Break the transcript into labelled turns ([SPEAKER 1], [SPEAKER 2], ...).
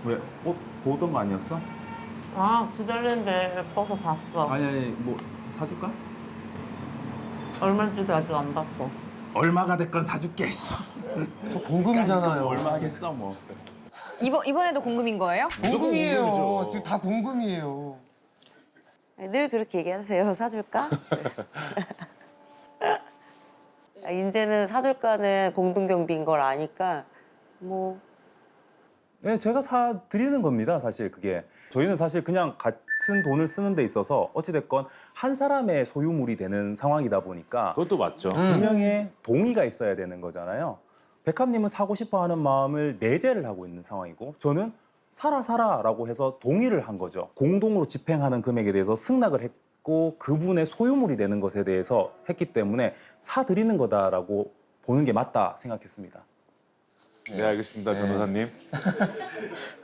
[SPEAKER 1] 왜? 옷 보던 거 아니었어?
[SPEAKER 2] 아, 기다리는데 예뻐서 봤어.
[SPEAKER 1] 아니, 뭐 사줄까?
[SPEAKER 2] 얼마인지도 아직 안 봤어.
[SPEAKER 1] 얼마가 됐건 사줄게. 씨.
[SPEAKER 3] 저 공금이잖아요.
[SPEAKER 1] 얼마 하겠어 뭐.
[SPEAKER 4] 이번에도 공금인 거예요?
[SPEAKER 3] 공금이에요.
[SPEAKER 5] 공금이죠.
[SPEAKER 3] 지금 다 공금이에요.
[SPEAKER 6] 늘 그렇게 얘기하세요. 사줄까? 이제는 사줄까는 공동경비인 걸 아니까 뭐
[SPEAKER 7] 네, 제가 사 드리는 겁니다. 사실 그게 저희는 사실 그냥 같은 돈을 쓰는 데 있어서 어찌됐건 한 사람의 소유물이 되는 상황이다 보니까
[SPEAKER 5] 그것도 맞죠.
[SPEAKER 7] 두 명의 동의가 있어야 되는 거잖아요. 백합님은 사고 싶어하는 마음을 내재를 하고 있는 상황이고 저는 사라라고 해서 동의를 한 거죠. 공동으로 집행하는 금액에 대해서 승낙을 했고 그분의 소유물이 되는 것에 대해서 했기 때문에 사드리는 거다라고 보는 게 맞다 생각했습니다.
[SPEAKER 5] 네, 알겠습니다, 변호사님.